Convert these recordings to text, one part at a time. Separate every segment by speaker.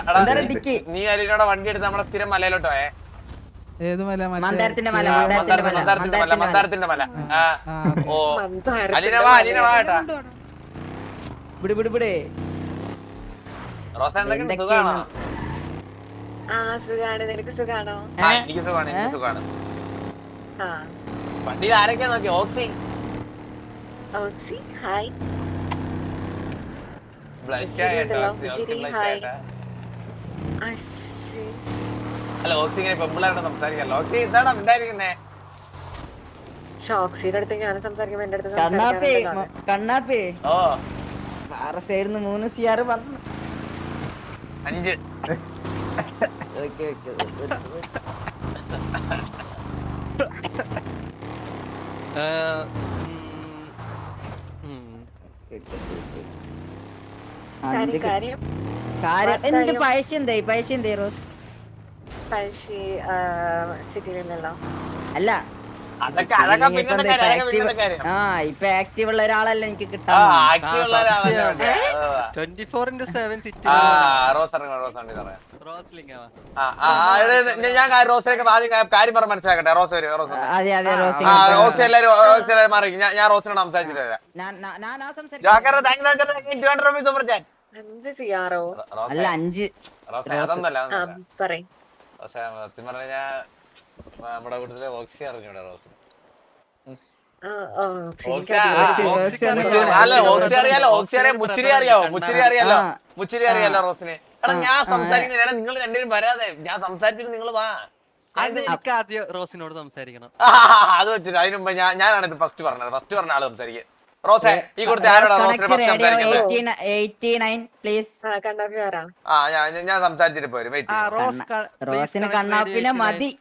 Speaker 1: നീ അലിനോടെ വണ്ടി എടുത്ത് നമ്മളെ സ്ഥിരം മലയിലോട്ട് പോയേ.
Speaker 2: ഏത് മല?
Speaker 3: മന്ദാരത്തിന്റെ മല.
Speaker 1: മന്ദാരത്തിന്റെ മല. ഓ അലീന വാ കേട്ടാ. റോസ എന്തൊക്കെ സുഖാണോ?
Speaker 4: സുഖാണ്. നിനക്ക് സുഖാണോ?
Speaker 1: എനിക്ക് സുഖാണ്. വണ്ടിയിൽ ആരൊക്കെയാ നോക്കി? ഓക്സി
Speaker 4: ഹായ്.
Speaker 1: അല്ല ഓക്സി ഇങ്ങനെ പെമ്പിളായിട്ട് സംസാരിക്കല്ലോ. ഓക്സി എന്താണ് ഉണ്ടായിരിക്കുന്നേ?
Speaker 4: ഷോക്സിയുടെ അടുത്ത് ഞാൻ സംസാരിക്കുമ്പോ എന്റെ അടുത്ത്
Speaker 3: കണ്ണാപ്പി
Speaker 1: ഓ
Speaker 3: 6 സൈഡിന്ന് 3 CR വന്നു.
Speaker 1: 5
Speaker 3: എന്നിട്ട് പൈസ എന്തായി റോസ്?
Speaker 4: സിറ്റിയിലല്ലോ.
Speaker 3: അല്ല
Speaker 1: അതൊക്കെ
Speaker 3: ഇപ്പൊ ആക്റ്റീവ് ഉള്ള ഒരാളല്ല എനിക്ക് കിട്ടാൻ.
Speaker 1: ഞാൻ റോസിനൊക്കെ കാര്യം പറഞ്ഞ് മനസ്സിലാക്കട്ടെ. റോസ് വരും.
Speaker 3: അതെ റോസ്
Speaker 1: എല്ലാരും മാറി. ഞാൻ റോസിനോട് സംസാരിച്ചിട്ടില്ല.
Speaker 3: അല്ല 5
Speaker 1: സത്യം പറഞ്ഞ നമ്മുടെ കൂട്ടത്തില് ഓക്സി അറിഞ്ഞൂടെ റോസ്? അല്ല ഓക്സി അറിയാലോ. ഓക്സി അറിയാം. മുച്ചിരി അറിയാവോ? മുച്ചിരി അറിയാലോ റോസിന്. എടാ ഞാൻ സംസാരിക്കുന്നില്ല. എടാ നിങ്ങൾ രണ്ടുപേരും വരാതെ ഞാൻ സംസാരിച്ചിട്ട് നിങ്ങൾ വാ.
Speaker 5: ആദ്യം റോസിനോട് സംസാരിക്കണം.
Speaker 1: അത് വെച്ചിട്ട് അതിന് മുമ്പ് ഞാനാണ് ഇത് ഫസ്റ്റ് പറഞ്ഞത്. ഫസ്റ്റ് പറഞ്ഞ ആള് സംസാരിക്കുക. റോസേ ഈ കൊടുത്ത ആരോടാ റോസിനെ ഫസ്റ്റ് സംസാരിക്കുന്നത്? ഞാൻ സംസാരിച്ചിട്ട് പോരും.
Speaker 3: റോസിന് കണ്ണാപ്പിനെ മതി.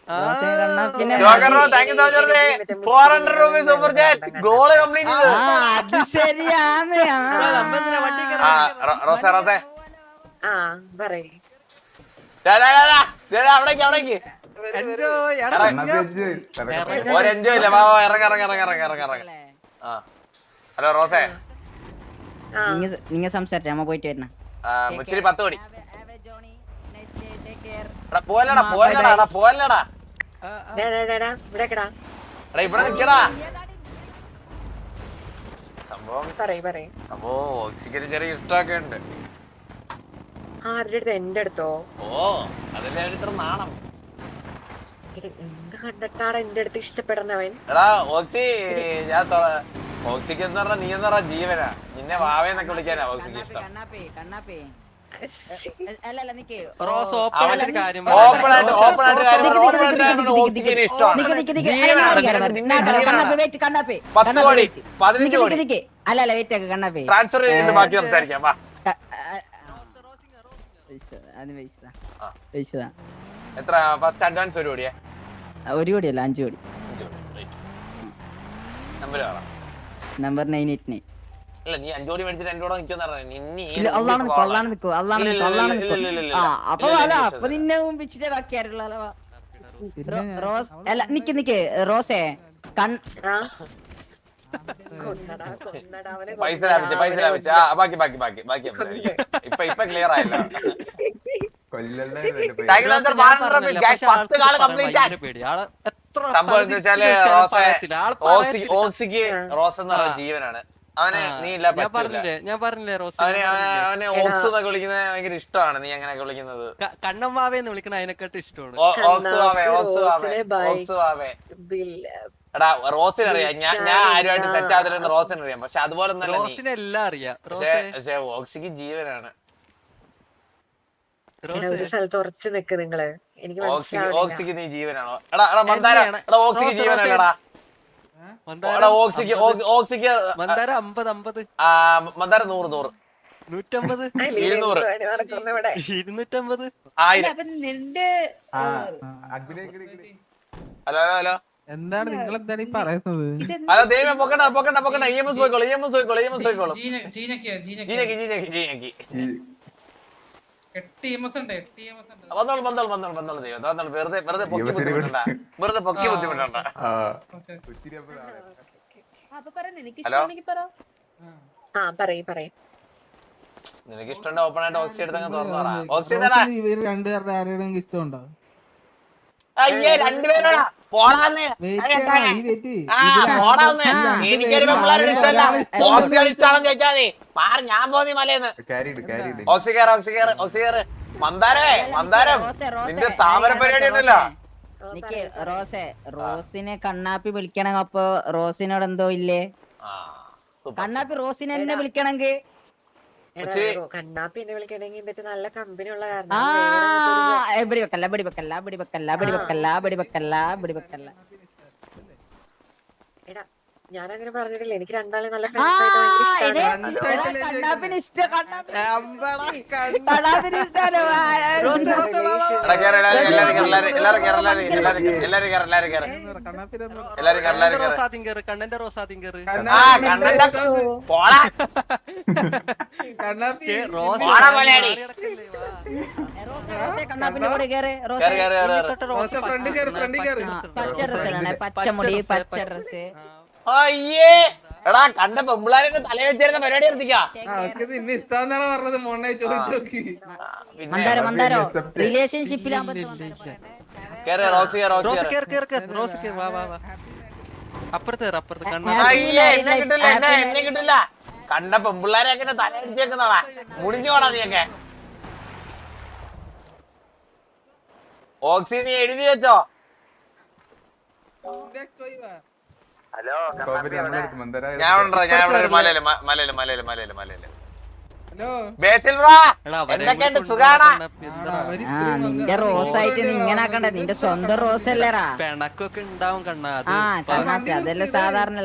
Speaker 3: അത് ശരിയാണ്.
Speaker 1: അവിടേക്ക് ഒരെൻജോയ് ഇല്ല. ഇറങ്ങ. ഹലോ റോസേ,
Speaker 3: നിങ്ങ സംസാരിച്ച നമ്മ പോയിട്ട് വരണ.
Speaker 1: മുച്ചിരി 10 കോടി. പോവല്ലടാ. ഇവിടെ നിക്കടാ. സംഭവം ഓക്സിജന് ചെറിയ ഇഷ്ടമൊക്കെ ഉണ്ട്.
Speaker 4: ആരുടെ അടുത്ത്? എന്റെ അടുത്തോ?
Speaker 1: ഓ അതല്ലേ ഇത്ര നാണം.
Speaker 4: എന്ത് കണ്ടിട്ടാണ് എന്റെ അടുത്ത് ഇഷ്ടപ്പെടുന്നവൻ?
Speaker 1: എടാ ഓക്സി, ഞാൻ ഓക്സിക്ക് എന്ന് പറഞ്ഞ നീ എന്ന് പറഞ്ഞ ജീവനാ. നിന്നെ വാവേന്നൊക്കെ വിളിക്കാനാ ഓക്സിക്ക് ഇഷ്ടം. എത്ര ഫസ്റ്റ് അഡ്വാൻസ്? 1 കോടിയാ?
Speaker 3: 1 കോടിയല്ല 5 കോടി. നമ്പർ 989.
Speaker 1: അല്ല നീ 5 കോടി മേടിച്ച് 2 കോടി നിൽക്കുന്ന
Speaker 3: അപ്പൊ നിന്നെ മുമ്പിച്ചിട്ടേ ബാക്കിയാരുള്ള റോസ്. അല്ല നിക്ക് റോസേ,
Speaker 1: പൈസ ലാഭിച്ച ബാക്കി ഇപ്പൊ ക്ലിയർ ആയല്ലോ. സംഭവം എന്താ വെച്ചാല് ഓക്സിക്ക് റോസ് എന്ന് പറഞ്ഞ ജീവനാണ്. അവന് നീ ഇല്ല
Speaker 5: ഞാൻ പറഞ്ഞില്ലേ റോസ്,
Speaker 1: അവന് ഓക്സ് എന്നൊക്കെ വിളിക്കുന്നത് ഭയങ്കര ഇഷ്ടമാണ്. നീ അങ്ങനെയൊക്കെ വിളിക്കുന്നത്
Speaker 5: കണ്ണമ്മാവേന്ന് വിളിക്കണ അതിനെക്കാട്ട് ഇഷ്ടമാണ്.
Speaker 1: എടാ റോസിനറിയാം. ഞാൻ ആരുമായിട്ട് സെറ്റ് ആകത്തില്ലെന്ന് റോസിനറിയാം. പക്ഷെ അതുപോലെ
Speaker 5: എല്ലാം അറിയാം.
Speaker 1: പക്ഷെ ഓക്സിക്ക് ജീവനാണ്.
Speaker 4: ഒരു സ്ഥലത്ത് ഉറച്ചു നിക്ക് നിങ്ങള്. എനിക്ക്
Speaker 1: ഓക്സിക്ക് നീ ജീവനാണോ? എടാ മന്ദാര, എടാ ഓക്സിക്ക് ജീവനല്ലടാ. ഓക്സിക്ക്
Speaker 5: മന്ദാര 50
Speaker 1: മന്ദാര 100
Speaker 5: 150
Speaker 1: 200
Speaker 5: 250
Speaker 1: 1000. ഹലോ
Speaker 2: എന്താണ് നിങ്ങൾ എന്താണ് പറയുന്നത്?
Speaker 1: ഹലോ ദൈവം പൊക്കണ്ട. EMS പോയിക്കോളൂ. വന്നോളൂ ദൈവം. വെറുതെ പൊക്കി ബുദ്ധിമുട്ടണ്ട. ഹലോ
Speaker 4: പറയ്.
Speaker 1: നിനക്ക് ഇഷ്ടമുണ്ട് ഓപ്പൺ ആയിട്ട് ഓക്സി എടുത്തങ്ങ് തുറന്നു പറ. ഓക്സി തരാ.
Speaker 2: ഇവര് രണ്ടുപേരുടെ ആരെയും ഇഷ്ടം ഉണ്ടോ?
Speaker 1: അയ്യേ രണ്ടുപേരോടാ പോടാന്ന്. പോടാന്ന്. എനിക്കൊരു പെമ്പിള്ളാരോട് ഇഷ്ടമല്ല. ഓക്സിയോട് ഇഷ്ടമാണെന്ന് ചോദിച്ചാൽ മതി. മാറി ഞാൻ പോന്നി മലയെന്ന്. ഓക്സി കയറ് ഓക്സി കയറ് ഓക്സി കയറ്. മന്ദാരം നിന്റെ താമര പരിപാടി ഉണ്ടല്ലോ.
Speaker 3: നിക്ക് റോസിനെ കണ്ണാപ്പി വിളിക്കണം. അപ്പൊ റോസിനോട് എന്തോ ഇല്ലേ? കണ്ണാപ്പി റോസിനെ എന്നെ വിളിക്കണമെങ്കിൽ
Speaker 4: കണ്ണാപ്പി എന്നെ വിളിക്കണെങ്കിൽ എന്നിട്ട് നല്ല കമ്പനി ഉള്ള കാരണം എടാ ഞാൻ അങ്ങനെ പറഞ്ഞിട്ടില്ല. എനിക്ക് രണ്ടാളെ നല്ല ഫ്രണ്ട്സ് ആയിട്ട് ഭയങ്കര ഇഷ്ടമാണ്.
Speaker 3: കണ്ണാപ്പിന് ഇഷ്ടം.
Speaker 5: കണ്ണന്റെ റോസാദ്യം കേറ്.
Speaker 3: കണ്ണാപ്പിന്റെ കൂടെ കേറ്. പച്ച ഡ്രസ് ഇടണേ. പച്ചമുടി പച്ച ഡ്രസ്.
Speaker 1: അയ്യേ എടാ കണ്ട പെമ്പിള്ളാരെ തല വെച്ചിരുന്ന പരിപാടി നിർത്തിക്കാം.
Speaker 2: നിന്നെ ഇഷ്ടാന്നാണ് പറഞ്ഞത്. മോണ്ണെ ചോദിച്ചു നോക്കി.
Speaker 3: മന്ദാരോ റിലേഷൻഷിപ്പിലാകുമ്പോ
Speaker 1: എന്നെ കിട്ടില്ല. കണ്ട പെമ്പിള്ളാരെയൊക്കെ തല അടിച്ചേക്കുന്നോടാ. മുടിഞ്ഞോടാ നീയൊക്കെ. ഓക്സി നീ എഴുതി വെച്ചോ. ഞാൻ എന്തൊക്കെയുണ്ട് സുഖാണോ?
Speaker 3: നിന്റെ റോസ് ആയിട്ട് നീ ഇങ്ങനെ ആക്കണ്ട. നിന്റെ സ്വന്തം റോസ് അല്ലേറാ.
Speaker 5: പിണക്കൊക്കെ ഉണ്ടാവും കണ്ണാ.
Speaker 3: കണ്ണാപ്പി അതെല്ലാം സാധാരണ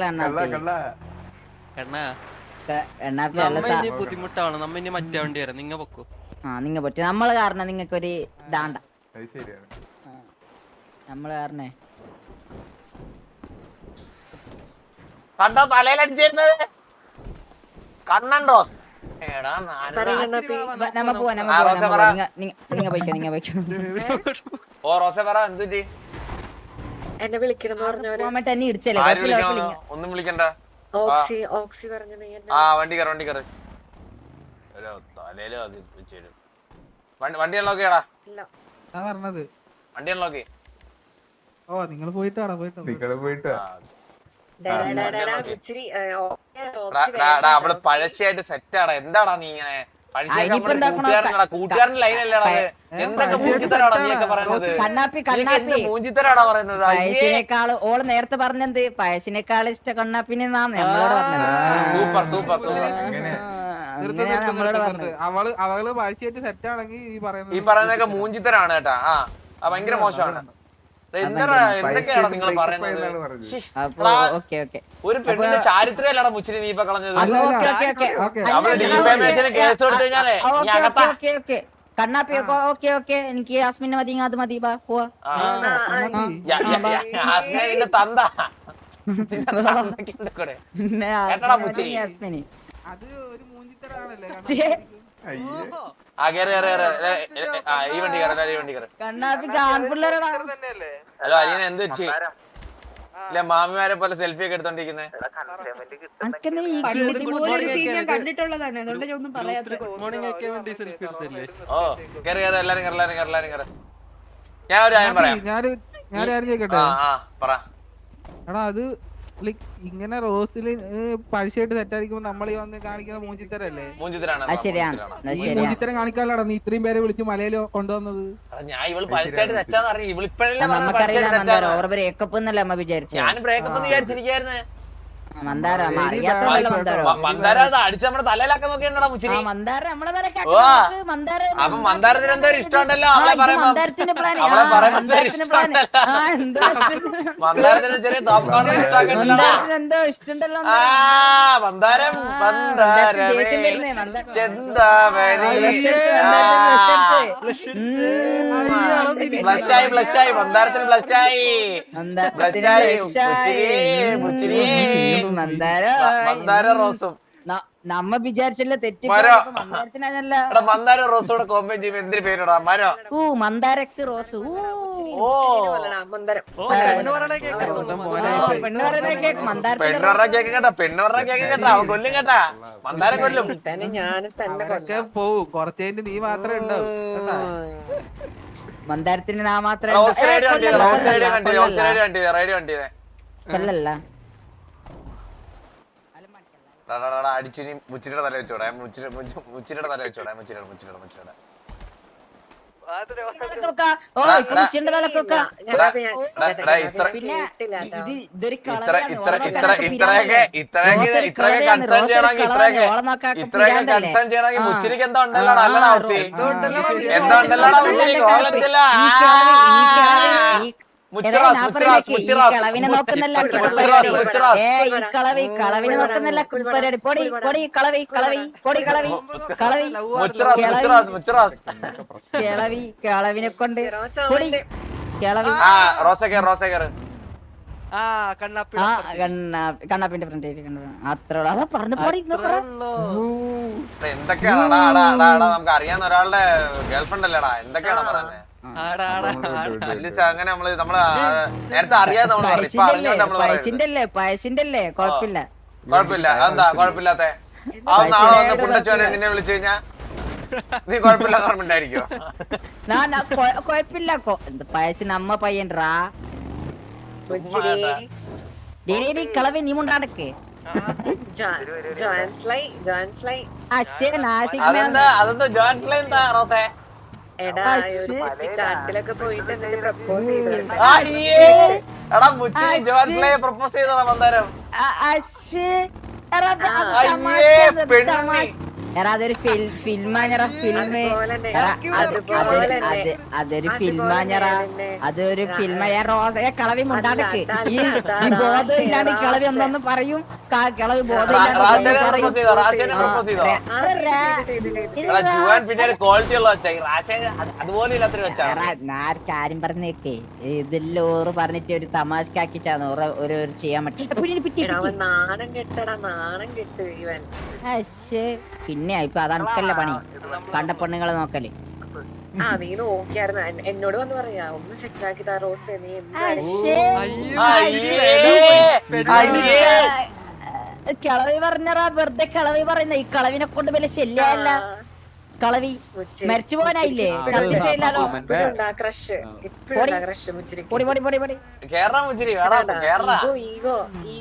Speaker 5: ബുദ്ധിമുട്ടാണ്. നമ്മ ഇനി മറ്റേ വണ്ടി വരാം. നിങ്ങ പൊക്കോ.
Speaker 3: നിങ്ങ പറ്റി നമ്മള് കാരണം നിങ്ങൾക്കൊരു ദാണ്ട. നമ്മള് കാരണേ
Speaker 1: കണ്ടോ തലയിലടിച്ചിരുന്നത് കണ്ണൻ റോസ്.
Speaker 3: നമ്മ പോവാ. നിങ്ങ പോയിക്കോ.
Speaker 1: ഓ റോസെ പറ എന്തുറ്റി
Speaker 4: എന്നെ വിളിക്കണം പറഞ്ഞവര്
Speaker 3: എന്നെ ഇടിച്ചല്ലേ.
Speaker 1: ഒന്നും വിളിക്കണ്ട.
Speaker 4: ഓക്സി പറഞ്ഞു നീ
Speaker 1: ആ വണ്ടി കയറ്. തലയിലോ വണ്ടി അൺലോക്കിയാടാ.
Speaker 2: പറഞ്ഞത്
Speaker 1: വണ്ടി അൺലോക്കി.
Speaker 2: ഓ നിങ്ങള് പോയിട്ടാടാ. പോയിട്ട്
Speaker 1: അവള് പഴശ്ശിയായിട്ട് സെറ്റാടാ. എന്താടാ നീ ഇങ്ങനെ കൂട്ടുകാരൻ ലൈനല്ലേടാ. എന്തൊക്കെ മൂഞ്ചിത്തരാടാ നീയൊക്കെ പറയുന്നത്. എന്ത് മൂഞ്ചിത്തരാടാ പറയുന്നത്.
Speaker 3: പയസിനേക്കാള് ഓള് നേരത്തെ പറഞ്ഞത് പയസിനേക്കാൾ ഇഷ്ടം കണ്ണാപ്പിനെന്നാണ് നമ്മളോട് പറഞ്ഞത്.
Speaker 1: സൂപ്പർ
Speaker 3: നമ്മളോട് പറഞ്ഞത്.
Speaker 2: അവള് പഴശ്ശിയായിട്ട് സെറ്റ് ആണെങ്കിൽ
Speaker 1: ഈ പറയുന്നതൊക്കെ മൂഞ്ചിത്തരാണ് കേട്ടാ. ആ ഭയങ്കര മോശമാണ്. എന്തൊക്കെയാണ് നിങ്ങൾ പറയുന്നത്. ഒരു പെണ്ണിന്റെ ചാരിത്രമല്ലടാ മുച്ചിരി നീ ഇപ്പൊ കളഞ്ഞത്. അവള് ഡിഫേമേഷന് കേസ് കൊടുത്തു കഴിഞ്ഞാലേ
Speaker 3: കണ്ണാപ്പി ഓക്കെ എനിക്ക് യാസ്മിനെ മതി. അത് മതി പോവാ.
Speaker 1: യാസ്മിന്റെ തന്ത കേട്ടടാ മുച്ചിരി.
Speaker 3: യാസ്മിന്
Speaker 2: അത് ഒരു മൂഞ്ചിത്തരാണല്ലേ.
Speaker 1: ഈ വണ്ടി കയറി.
Speaker 3: കണ്ണാപ്പിക്ക് ആൺപിള്ളേരടാ.
Speaker 1: ഹലോ അലീന എന്ത് വെച്ച് ഇല്ല മാമിമാരെ പോലെ സെൽഫി ഒക്കെ എടുത്തോണ്ടിരിക്കുന്നേ. ഓ കേറി എല്ലാരും കയറി. ഞാൻ ഒരു കാര്യം പറയാം.
Speaker 2: ഞാൻ ചോദിക്കട്ടെ.
Speaker 1: പറ.
Speaker 2: എടാ അത് ഇങ്ങനെ റോസില് പഴശ്ശിയായിട്ട് സെറ്റായിരിക്കുമ്പോ നമ്മളീ വന്ന് കാണിക്കുന്ന മൂഞ്ചിത്തരല്ലേ. മൂഞ്ചിത്തരം കാണിക്കാനാടാ നീ ഇത്രയും പേരെ വിളിച്ച് മലയില് കൊണ്ടുവന്നത്.
Speaker 1: ഞാൻ ഇവള് പഴശ്ശിയായിട്ട് സെറ്റാന്ന് അറിയാം. ഞാൻ ബ്രേക്കപ്പ് വിചാരിച്ചിരിക്കായിരുന്നു. മന്ദാര അടിച്ച് നമ്മുടെ തലയിലാക്കാൻ നോക്കിയാ മുച്ചിരി. അപ്പൊ മന്ദാരത്തിന് എന്തോ ഒരു ഇഷ്ടമുണ്ടല്ലോ. അവളെ പറയുമ്പോ മന്ദാരത്തിന് ചെറിയ തോപ്പ്കോണർ ഇഷ്ടമാക്കണ്ടല്ലോ. മന്ദാരം ബ്ലഷായി മന്ദാരത്തിന് ബ്ലഷായി മുച്ചിരി മന്ദാര റോസും
Speaker 3: നമ്മ വിചാരിച്ചല്ലോ തെറ്റി
Speaker 1: മരോ.
Speaker 3: മന്ദാരത്തിനല്ല.
Speaker 1: എടാ മന്ദാരം റോസോടെ കോമ്പൈൻ ചെയ്യുമ്പോ എന്തിന് പേരിടാ മരോ?
Speaker 3: മന്ദാരക്സ് റോസ്.
Speaker 1: ഓ
Speaker 4: മന്ദരം
Speaker 5: ഓ പെണ്ണ് പറയണേ കേൾക്കാൻ
Speaker 3: പെണ്ണ് പറയുന്നത് കേക്ക് മന്ദാരത്തിന്റെ
Speaker 1: പെണ്ണുറ കേക്ക് കേട്ടാ പെണ്ണുറ കേക്ക് കേട്ടാ അവൻ കൊല്ലും കേട്ടാ മന്ദാരം കൊല്ലും.
Speaker 4: തന്നെ ഞാനും തന്നെ
Speaker 2: അവരൊക്കെ പോവും കുറച്ച് കഴിഞ്ഞ് നീ മാത്രമേ ഉണ്ടാവും കേട്ടാ.
Speaker 3: മന്ദാരത്തിന് ഞാൻ മാത്രമേ
Speaker 1: റോക്സ് റേഡിയോ കണ്ടില്ലേ റോക്സ് റേഡിയോ കണ്ടില്ലേ റോക്സ് റേഡിയോ കണ്ടില്ലേ റേഡിയോ കണ്ടില്ലേ
Speaker 3: കൊല്ലല്ല.
Speaker 1: അടിച്ചിനി മുച്ചിരിയുടെ തല വെച്ചോടെ മുച്ചിരിയുടെ തല വെച്ചോടെ മുച്ചിരിയുടെ
Speaker 3: ഇതൊരു
Speaker 1: ഇത്രയൊക്കെ കൺസേൺ ചെയ്യണമെങ്കിൽ കൺസേൺ ചെയ്യണമെങ്കിൽ മുച്ചിരിക്ക് എന്താ ഉണ്ടല്ലോ നല്ലടാ ഔസി എന്താ ഉണ്ടല്ലോടാ മുച്ചിരിക്ക് ഓളെന്തില്ല
Speaker 3: കളവിനെ നോക്കുന്നല്ല കളവിനെ നോക്കുന്നല്ല കുൽപ്പരിപാടി പൊടി പൊടി കളവി കളവി പൊടി കളവി കളവി കിളവി കളവിനെ കൊണ്ട് പൊടി കിളവി
Speaker 1: റോസക്കേറ്
Speaker 5: ആ കണ്ണാപ്പി
Speaker 3: കണ്ണാപ്പിന്റെ ഫ്രണ്ട് അത്ര അതാ പറഞ്ഞു പൊടി
Speaker 1: എന്തൊക്കെയാണാ നമുക്ക് അറിയാവുന്ന ഒരാളുടെ ഗേൾഫ്രണ്ട് അല്ലേടാ എന്തൊക്കെയാണോ പറയുന്നത് അങ്ങനെ നമ്മള് നേരത്തെ അറിയാതെ നമ്മള് പറഞ്ഞു ഇപ്പൊ അറിഞ്ഞോണ്ട് നമ്മള്
Speaker 3: പയസിന്റെ അല്ലേ കൊഴപ്പില്ല
Speaker 1: കൊഴപ്പില്ല അതെന്താ കൊഴപ്പില്ലാത്ത അത് നാളെ വന്ന് പുണ്ടച്ചോനെ നിന്നെ വിളിച്ചു കഴിഞ്ഞാ നീ കൊഴപ്പില്ലാത്ത ഓർമ്മണ്ടായിരിക്കോ?
Speaker 3: കൊഴപ്പില്ല പയസിന് അമ്മ പയ്യൻറാ കളവി നീ മുണ്ടാടക്ക്
Speaker 1: അതെന്താ ജോയിൻ ഫ്ലൈ എന്താ റോസേ?
Speaker 4: കാട്ടിലൊക്കെ പോയിട്ട് എന്നിട്ട് പ്രപ്പോസ് ചെയ്തോണ്ട്
Speaker 1: എടാ മുച്ചിരി ജോയിൻ ഫ്ലൈ പ്രപ്പോസ് ചെയ്തോളാം മന്ദാരം.
Speaker 3: അതൊരു ഫിൽമാഞ്ഞറ ഫിൽമ് അതൊരു ഫിൽമാഞ്ഞറ അതൊരു ഫിൽമ കളവി മുണ്ടാടക്ക് ഈ ബോധം ഇല്ലാണ്ട് കളവി ഒന്നൊന്ന് പറയും കളവി ബോധം കാര്യം പറഞ്ഞേക്കേ ഇതെല്ലാം ഓറ് പറഞ്ഞിട്ട് ഒരു തമാശക്കാക്കിച്ചാന്ന് ഒരു ചെയ്യാൻ പറ്റി
Speaker 4: നാണം കെട്ടടാ നാണം കെട്ട് ഇവൻ.
Speaker 3: പിന്നെ ഇപ്പൊ അതാണക്കല്ലേ പണി കണ്ട പെണ്ണുങ്ങളെ നോക്കല്.
Speaker 4: നീ നോക്കിയായിരുന്നു എന്നോട് വന്ന് പറയാ ഒന്ന് സെറ്റാക്കി താ റോസ് നീ
Speaker 3: കിളവി പറഞ്ഞാ വെറുതെ കിളവി പറയുന്ന ഈ കളവിനെ കൊണ്ട് വലിയ ശല്യല്ല. കളവി മരിച്ചു പോകാനായില്ലേ?
Speaker 4: ക്രഷ് ഇപ്പഴും ക്രഷ് മുച്ചിരി
Speaker 1: കേരള മുച്ചിരി വേണം കേരള